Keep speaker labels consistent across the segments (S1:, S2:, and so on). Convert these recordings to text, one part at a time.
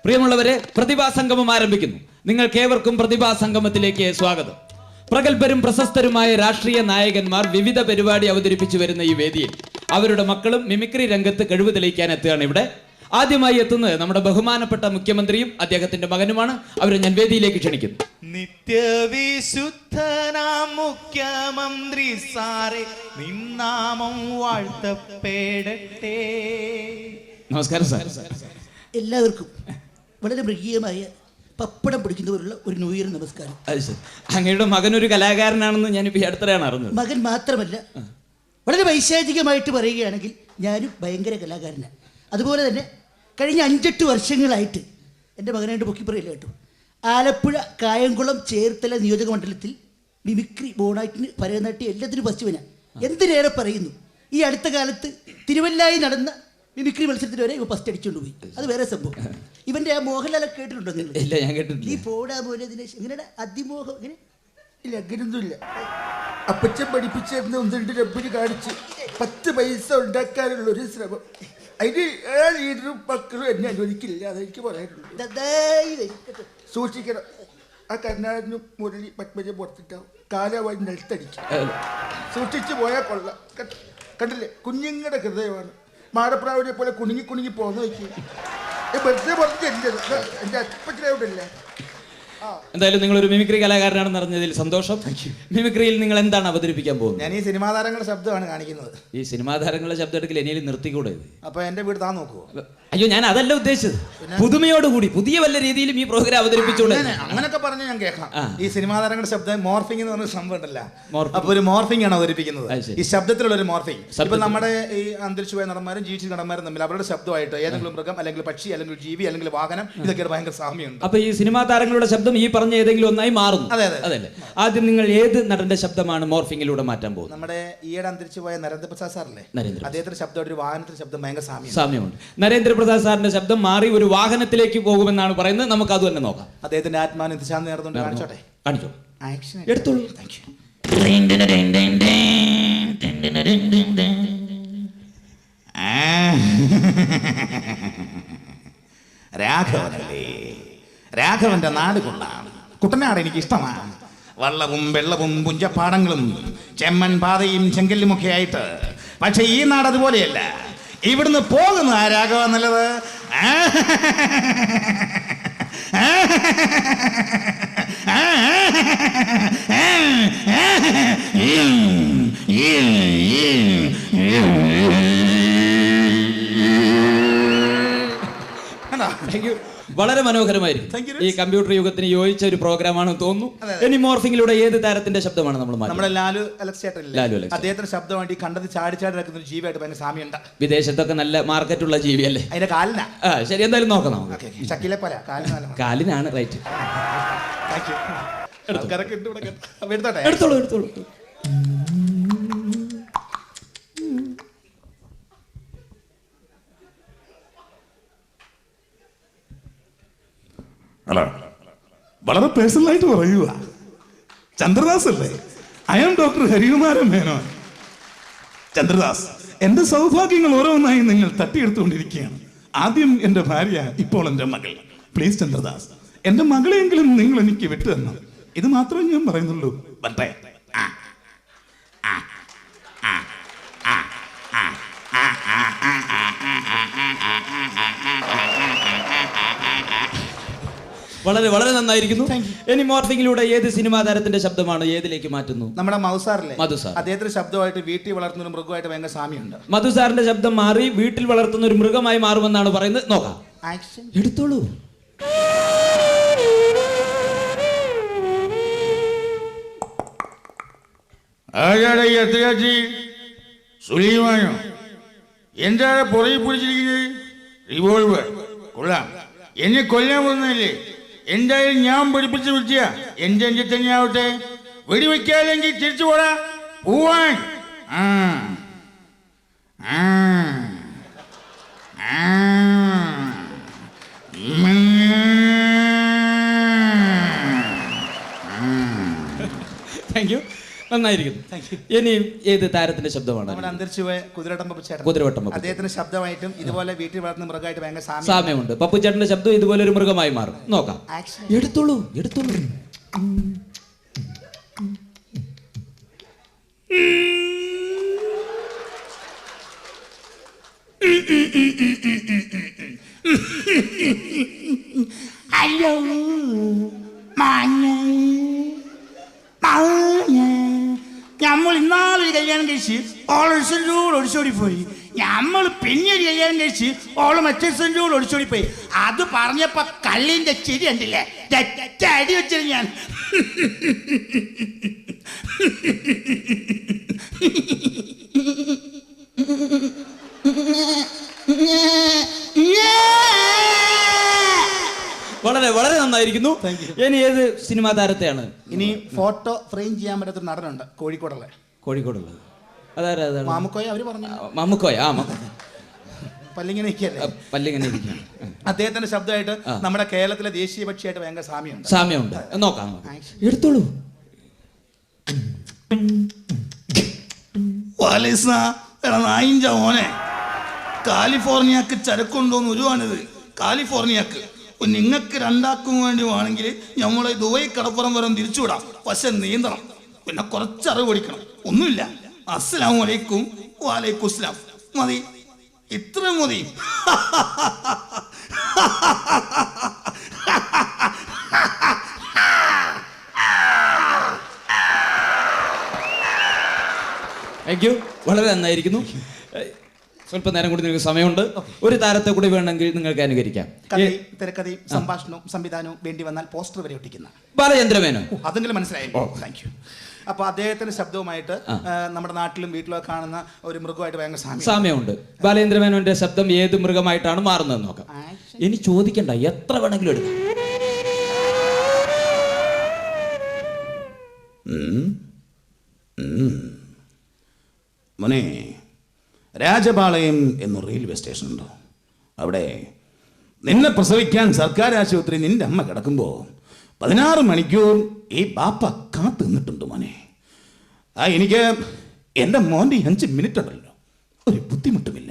S1: പ്രിയമുള്ളവരെ, പ്രതിഭാ സംഗമം ആരംഭിക്കുന്നു. നിങ്ങൾക്കേവർക്കും പ്രതിഭാ സംഗമത്തിലേക്ക് സ്വാഗതം. പ്രഗത്ഭരും പ്രശസ്തരുമായ രാഷ്ട്രീയ നായകന്മാർ വിവിധ പരിപാടി അവതരിപ്പിച്ചു വരുന്ന ഈ വേദിയിൽ അവരുടെ മക്കളും മിമിക്രി രംഗത്ത് കഴിവ് തെളിയിക്കാൻ എത്തുകയാണ്. ഇവിടെ ആദ്യമായി എത്തുന്നത് നമ്മുടെ ബഹുമാനപ്പെട്ട മുഖ്യമന്ത്രിയും അദ്ദേഹത്തിന്റെ മകനുമാണ്. അവരെ ഞാൻ വേദിയിലേക്ക് ക്ഷണിക്കുന്നു.
S2: നിത്യവിശുദ്ധനാം മുഖ്യമന്ത്രി സാറേ, നിന്നാമം വാഴ്ത്തപ്പെടട്ടെ.
S1: നമസ്കാരം സാർ.
S3: എല്ലാവർക്കും വളരെ മൃഗീയമായ പപ്പടം പിടിക്കുന്നവരുള്ള ഒരു ന്യൂ ഇയർ നമസ്കാരം.
S1: അത് ശരി. അങ്ങയുടെ മകനൊരു കലാകാരനാണെന്ന് ഞാനിപ്പോൾ ഈ അടുത്തിടെയാണ് അറിഞ്ഞത്.
S3: മകൻ മാത്രമല്ല, വളരെ വൈശാചികമായിട്ട് പറയുകയാണെങ്കിൽ ഞാനും ഭയങ്കര കലാകാരനാണ്. അതുപോലെ തന്നെ കഴിഞ്ഞ 5-8 വർഷങ്ങളായിട്ട് എൻ്റെ മകനായിട്ട് പൊക്കി പറയില്ല കേട്ടോ, ആലപ്പുഴ, കായംകുളം, ചേർത്തല നിയോജക മണ്ഡലത്തിൽ മിമിക്രി, ബോണാറ്റിന്, ഭരതനാട്യം എല്ലാത്തിനും ഫസ്റ്റുവനാണ്. എന്തിനേറെ പറയുന്നു, ഈ അടുത്ത കാലത്ത് തിരുവല്ലായി നടന്ന മിമിക്രി മത്സരത്തിന് വരെ ഇവ ഫസ്റ്റ് അടിച്ചുകൊണ്ട് പോയി. അത് വേറെ സംഭവം. ഇവന്റെ ആ മോഹൻലാലൊക്കെ കേട്ടിട്ടുണ്ടോ നിങ്ങൾ?
S1: ഇല്ല, ഞാൻ കേട്ടിട്ടില്ല.
S3: ഈ പോടാ പോലെ ദിനേശ് എങ്ങനെയാണ് അതിമോഹം? ഇങ്ങനെ ഇല്ല, അങ്ങനെയൊന്നുമില്ല. അപ്പച്ചൻ പഠിപ്പിച്ചിരുന്ന 1-2 രബ്ബിന് കാണിച്ച് 10 പൈസ ഉണ്ടാക്കാനുള്ള ഒരു ശ്രമം. അതിന് ലീഡറും മക്കളും എന്നെ അനുവദിക്കില്ല. അതെനിക്ക് പറയാനുള്ളൂ. സൂക്ഷിക്കണം. ആ കർണാടനും മുരളി പത്മജം പുറത്തിട്ടാവും, കാലവായി നിലത്തടിക്കും. സൂക്ഷിച്ചു പോയാൽ കൊള്ളാം. കണ്ടില്ലേ, കുഞ്ഞുങ്ങളുടെ ഹൃദയമാണ്. മാടപ്രാവിനെ പോലെ കുണുങ്ങി കുണുങ്ങി പോകുന്ന വയ്ക്കും. വെറുതെ പറഞ്ഞില്ല, എൻ്റെ അപ്പച്ചനവിടെയല്ലേ.
S1: എന്തായാലും നിങ്ങളൊരു മിമിക്രി കലാകാരനാണെന്ന് അറിഞ്ഞതിൽ സന്തോഷം. മിമിക്രിയിൽ നിങ്ങൾ എന്താണ് അവതരിപ്പിക്കാൻ പോകുന്നത്?
S2: ഞാൻ ഈ സിനിമാ താരങ്ങളുടെ ശബ്ദമാണ് കാണിക്കുന്നത്.
S1: ഈ സിനിമാ താരങ്ങളുടെ ശബ്ദം എടുക്കൽ എന്നെ നിർത്തിക്കൂടെ?
S2: അപ്പൊ എന്റെ വീട് താൻ നോക്കുവോ?
S1: അയ്യോ, ഞാൻ അതല്ല ഉദ്ദേശിച്ചത്. പുതുമയോടുകൂടി പുതിയ വല്ല രീതിയിലും ഈ പ്രോഗ്രാം അവതരിപ്പിച്ചോളൂ.
S2: അങ്ങനൊക്കെ പറഞ്ഞ് ഞാൻ കേൾക്കാം. ഈ സിനിമാ താരങ്ങളുടെ ശബ്ദം മോർഫിംഗ് എന്ന് പറഞ്ഞ സംഭവം ഉണ്ടല്ല,
S1: മോർഫിംഗ്.
S2: അപ്പൊ ഒരു മോർഫിംഗ് ആണ് അവതരിപ്പിക്കുന്നത്. ഈ ശബ്ദത്തിലുള്ള ഒരു മോർഫിംഗ്. ഇപ്പൊ നമ്മുടെ ഈ അന്തരിച്ചുപോയ നടന്മാരും ജീവിച്ച നടന്മാരും തമ്മിൽ അവരുടെ ശബ്ദമായിട്ട് ഏതെങ്കിലും മൃഗം, അല്ലെങ്കിൽ പക്ഷി, അല്ലെങ്കിൽ ജീവി, അല്ലെങ്കിൽ വാഹനം, ഇതൊക്കെ ഭയങ്കര സാമ്യമുണ്ട്.
S1: അപ്പൊ ഈ സിനിമാ താരങ്ങളുടെ ശബ്ദം ഈ പറഞ്ഞ ഏതെങ്കിലും ഒന്നായി മാറുന്നു. അതല്ലേ? ആദ്യം നിങ്ങൾ ഏത് നടന്റെ ശബ്ദമാണ് മോർഫിംഗിലൂടെ മാറ്റാൻ പോകുന്നത്?
S2: നമ്മുടെ ഈയിടെ അന്തരിച്ചുപോയ നരേന്ദ്രപ്രസാദ് സാറല്ലേ, അദ്ദേഹത്തിന്റെ ശബ്ദം ഒരു വാഹനത്തിന്റെ ശബ്ദം ഭയങ്കര സാമ്യമുണ്ട്.
S1: നരേന്ദ്രപ്രസാദ് സാറിന്റെ ശബ്ദം മാറി ഒരു വാഹനത്തിലേക്ക് പോകുമെന്നാണ് പറയുന്നത്. നമുക്ക് അത് തന്നെ നോക്കാം.
S2: അദ്ദേഹത്തിന്റെ ആത്മാവിന് ദിശാന്തി നേർന്നുകൊണ്ട് കാണിച്ചോട്ടെ.
S1: കാണിച്ചോ,
S2: ആക്ഷൻ
S1: എടുത്തോളൂ.
S2: രാഘവനല്ലേ, രാഘവന്റെ നാട് കൊള്ളാണ്. കുട്ടനാട് എനിക്ക് ഇഷ്ടമാണ്. വള്ളവും വെള്ളവും പുഞ്ചപ്പാടങ്ങളും ചെമ്മൺ പാതയും ചെങ്കല്ലുമൊക്കെ ആയിട്ട്. പക്ഷെ ഈ നാട് അതുപോലെയല്ല. ഇവിടുന്ന് പോകുന്ന ആ രാഘവ നല്ലത്.
S1: വളരെ മനോഹരമായിരിക്കും. ഈ കമ്പ്യൂട്ടർ യുഗത്തിന് യോജിച്ച ഒരു പ്രോഗ്രാമാണെന്ന് തോന്നുന്നു. ഇനി മോർഫിംഗിലൂടെ ഏത് താരത്തിന്റെ ശബ്ദമാണ് നമ്മൾ?
S2: നമ്മുടെ ലാലു അലക്സ്, അദ്ദേഹത്തിന്റെ ശബ്ദമായിട്ട് കണ്ടത് ചാടി ചാടി നടക്കുന്ന ഒരു ജീവിയായിട്ട് ഭയങ്കര സാമ്യമുണ്ട്.
S1: വിദേശത്തൊക്കെ നല്ല മാർക്കറ്റുള്ള ജീവിയല്ലേ?
S2: അതിന്റെ കാലിനാ.
S1: ശരി, എന്തായാലും നോക്കാം.
S2: ഷക്കീലെ പോലെ
S1: കാലിനാണ്. റൈറ്റ്.
S2: എടുത്തോളൂ.
S4: അല്ല, വളരെ പേഴ്സണലായിട്ട് പറയുക. ചന്ദ്രദാസ് അല്ലേ? I am doctor Harikumaran Menon. Chandradas, എന്റെ സൗഭാഗ്യങ്ങൾ ഓരോന്നായി നിങ്ങൾ തട്ടിയെടുത്തുകൊണ്ടിരിക്കുകയാണ്. ആദ്യം എന്റെ ഭാര്യ, ഇപ്പോൾ എന്റെ മകൾ. പ്ലീസ് ചന്ദ്രദാസ്, എന്റെ മകളെയെങ്കിലും നിങ്ങൾ എനിക്ക് വിട്ടു തരണം. ഇത് മാത്രമേ ഞാൻ പറയുന്നുള്ളൂ. വട്ടെ.
S1: വളരെ വളരെ നന്നായിരിക്കുന്നു. ഇനി മോർഫിംഗിലൂടെ ഏത് സിനിമാ താരത്തിന്റെ ശബ്ദമാണ് ഏതിലേക്ക് മാറ്റുന്നു?
S2: നമ്മുടെ മധുസാറില്ലേ,
S1: മധുസാർ.
S2: അദ്ദേഹത്തിന്റെ ശബ്ദമായിട്ട് വീട്ടിൽ വളർത്തുന്ന ഒരു മൃഗമായിട്ട് ഭയങ്കര സാമ്യമുണ്ട്.
S1: മധുസാറിന്റെ ശബ്ദം മാറി വീട്ടിൽ വളർത്തുന്ന ഒരു മൃഗമായി മാറുമെന്നാണ് പറയുന്നത്. നോക്കാം.
S2: ആക്ഷൻ
S1: എടുത്തോളൂ.
S5: എന്താണ് പുറകെ പിടിച്ചിരിക്കുന്നത്? റിവോൾവർ കൊള്ളാം. എന്നെ കൊല്ലാൻ പോകുന്നതല്ലേ? എന്തായാലും ഞാൻ പഠിപ്പിച്ച വിദ്യ എന്റെ എന്റെ തന്നെയാവട്ടെ. വെടിവെക്കാല്ലെങ്കിൽ തിരിച്ചു പോടാ, പോവാൻ.
S1: Thank you. നന്നായിരിക്കുന്നു. ഇനി ഏത് താരത്തിന്റെ ശബ്ദമാണ്?
S2: നമ്മുടെ അന്തരിച്ചുപോയ കുതിരവട്ടം ചേട്ടൻ.
S1: കുതിരവട്ടം പപ്പു.
S2: അദ്ദേഹത്തിന്റെ ശബ്ദമായിട്ടും ഇതുപോലെ വീട്ടിൽ വളർത്തുന്ന മൃഗമായിട്ട് ഭയങ്കര
S1: സാമ്യമുണ്ട്. പപ്പു ചേട്ടന്റെ ശബ്ദം ഇതുപോലെ ഒരു മൃഗമായി മാറും. നോക്കാം. എടുത്തോളൂ.
S2: ഹലോ നമ്മൾ ഇന്നാളൊരു കല്യാണം കഴിച്ച് ഓളൊരു ഒടിച്ചോടി പോയി. നമ്മൾ പിന്നെ ഒരു കല്യാണം കഴിച്ച് ഓള് മറ്റേ ഒടിച്ചോടി പോയി. അത് പറഞ്ഞപ്പോ കള്ളിന്റെ ചിരി കണ്ടില്ലേ, അടി വെച്ചിരുന്നു ഞാൻ.
S1: വളരെ വളരെ നന്നായിരിക്കുന്നു. ഇനി ഏത് സിനിമാ താരത്തെയാണ്?
S2: ഇനി ഫോട്ടോ ഫ്രെയിം ചെയ്യാൻ പറ്റാത്തൊരു നടനുണ്ട് കോഴിക്കോടുള്ളത്.
S1: കോഴിക്കോടുള്ളത് അതാരാ?
S2: മാമുക്കോയ അവര് പറഞ്ഞു.
S1: മാമുക്കോയ.
S2: പല്ലിങ്ങനെ
S1: പല്ലിങ്ങനെ ഇരിക്കുകയാണ്.
S2: അദ്ദേഹത്തിന്റെ ശബ്ദമായിട്ട് നമ്മുടെ കേരളത്തിലെ ദേശീയ പക്ഷിയായിട്ട് ഭയങ്കര
S1: സാമ്യമുണ്ട്. നോക്കാം. എടുത്തോളൂ.
S4: മോനെ കാലിഫോർണിയക്ക് ചരക്കുണ്ടോന്ന് ഒരുവാണിത്. കാലിഫോർണിയക്ക് നിങ്ങൾക്ക് രണ്ടാക്കും വേണ്ടി വേണമെങ്കിൽ നമ്മളെ ദുബായ് കടപ്പുറം വരെ തിരിച്ചുവിടാം. പക്ഷെ നീന്തണം, പിന്നെ കുറച്ചറിവ് പഠിക്കണം. ഒന്നുമില്ല. അസ്സലാമു അലൈക്കും. വലൈക്കും അസ്സലാം. മതി, ഇത്ര മതി.
S1: Thank you. വളരെ നന്നായിരിക്കുന്നു. സ്വല്പ നേരം കൂടി നിങ്ങൾക്ക് സമയമുണ്ട്. ഒരു താരത്തെ കൂടി വേണമെങ്കിൽ നിങ്ങൾക്ക് അനുകരിക്കാം.
S2: തിരക്കഥയും സംഭാഷണവും സംവിധാനവും വേണ്ടി വന്നാൽ പോസ്റ്റർ വരെ ഒട്ടിക്കുന്ന
S1: ബാലചന്ദ്രമേനോൻ.
S2: അതെങ്കിലും മനസ്സിലായി. Thank you. അപ്പൊ അദ്ദേഹത്തിന്റെ ശബ്ദവുമായിട്ട് നമ്മുടെ നാട്ടിലും വീട്ടിലൊക്കെ കാണുന്ന ഒരു മൃഗമായിട്ട് ഭയങ്കര
S1: സാമ്യമുണ്ട്. ബാലചന്ദ്രമേനോന്റെ ശബ്ദം ഏത് മൃഗമായിട്ടാണ് മാറുന്നത് നോക്കാം. ഇനി ചോദിക്കണ്ട, എത്ര വേണമെങ്കിലും എടുക്കാം.
S2: മോനെ, രാജപാളയം എന്നൊരു റെയിൽവേ സ്റ്റേഷൻ ഉണ്ട്. അവിടെ നിന്നെ പ്രസവിക്കാൻ സർക്കാർ ആശുപത്രി നിന്റെ അമ്മ കിടക്കുമ്പോൾ 16 മണിക്കൂർ ഈ ബാപ്പ കാത്തു നിന്നിട്ടുണ്ട് മോനെ. എനിക്ക് എൻ്റെ മോൻ്റെ 5 മിനിറ്റ് ഉണ്ടല്ലോ, ഒരു ബുദ്ധിമുട്ടുമില്ല.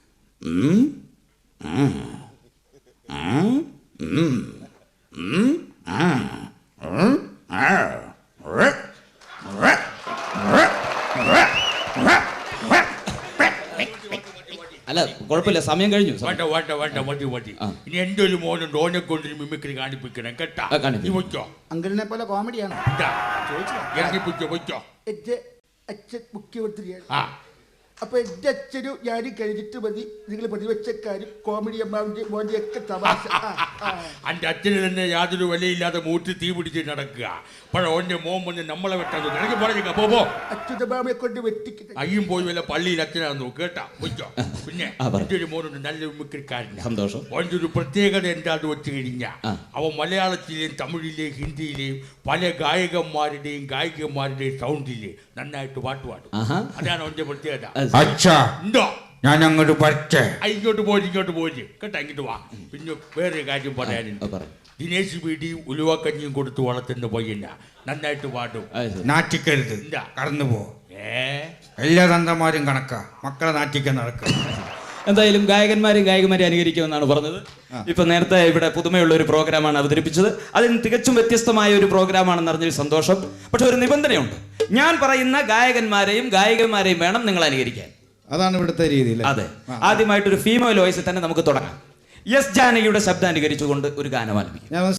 S1: അല്ല, കുഴപ്പമില്ല, സമയം കഴിഞ്ഞു.
S5: ഇനി എന്റെ ഒരു മോനുണ്ട്, ഓനെ കൊണ്ടൊരു മിമിക്രി കാണിപ്പിക്കണം കേട്ടാ.
S2: അങ്കിളിനെ പോലെ കോമഡിയാണ്.
S5: ഇറങ്ങിപ്പിച്ചോ.
S2: അച്ഛൻ മുഖ്യമന്ത്രിയാണ്. അപ്പൊ എന്റെ അച്ഛനും ഞാനും കഴിഞ്ഞിട്ട് മതി നിങ്ങൾ പ്രതിപക്ഷക്കാരും കോമഡി അമ്മാവിന്റെ മോന്റെ ഒക്കെ തമാശ.
S5: എന്റെ അച്ഛന് തന്നെ യാതൊരു വിലയില്ലാതെ മൂട്ടി തീ പിടിച്ച് നടക്കുക. അപ്പോൾ ഓന്റെ മോൻ വന്ന് നമ്മളെ വെട്ടാൻ ഇറങ്ങി പറഞ്ഞ പോ.
S2: അച്യുതമാമയെ കൊണ്ട് വെട്ടിക്കുന്നത്
S5: അയ്യും പോയി വല്ല പള്ളിയിൽ അച്ഛനാന്ന് കേട്ടാ വെച്ചോ. പിന്നെ എന്റെ ഒരു മോനുണ്ട്, നല്ല മിമിക്രിക്കാരൻ.
S1: സന്തോഷം.
S5: ഓൻ്റെ ഒരു പ്രത്യേകത എന്താന്ന് വെച്ച് കഴിഞ്ഞാൽ അവൻ മലയാളത്തിലെയും തമിഴിലെയും ഹിന്ദിയിലെയും പല ഗായകന്മാരുടെയും ഗായികന്മാരുടെയും സൗണ്ടില് നന്നായിട്ട് പാട്ട് പാടും. അതാണ് അവന്റെ പ്രത്യേകത. ഉണ്ടോ?
S6: ഞാൻ അങ്ങോട്ട് പറ്റേ
S5: ഇങ്ങോട്ട് പോയി കേട്ടാ, ഇങ്ങോട്ട് വാ. പിന്നെ വേറൊരു കാര്യം പറയാനുണ്ട്. ദിനേശ് വീടിയും ഉലുവക്കഞ്ഞിയും കൊടുത്ത് വളർത്തുന്ന പയ്യന നന്നായിട്ട് പാടും.
S6: നാറ്റിക്കരുത്, കടന്നു പോ. എല്ലാ തന്തമാരും കണക്കാ, മക്കളെ നാറ്റിക്കാൻ നടക്കുക.
S1: എന്തായാലും ഗായകന്മാരെയും ഗായികമാരെയും അനുകരിക്കുമെന്നാണ് പറഞ്ഞത്. ഇപ്പൊ നേരത്തെ ഇവിടെ പുതുമയുള്ള ഒരു പ്രോഗ്രാമാണ് അവതരിപ്പിച്ചത്. അതിന് തികച്ചും വ്യത്യസ്തമായ ഒരു പ്രോഗ്രാമാണെന്ന് അറിഞ്ഞൊരു സന്തോഷം. പക്ഷെ ഒരു നിബന്ധനയുണ്ട്. ഞാൻ പറയുന്ന ഗായകന്മാരെയും ഗായികമാരെയും വേണം നിങ്ങൾ അനുകരിക്കാൻ.
S6: അതാണ് ഇവിടുത്തെ രീതി.
S1: അതെ. ആദ്യമായിട്ടൊരു ഫീമെയിൽ വോയിസിൽ തന്നെ നമുക്ക് തുടങ്ങാം. എസ് ജാനകിയുടെ ശബ്ദം അനുകരിച്ചുകൊണ്ട് ഒരു ഗാനം ആലപിക്കും.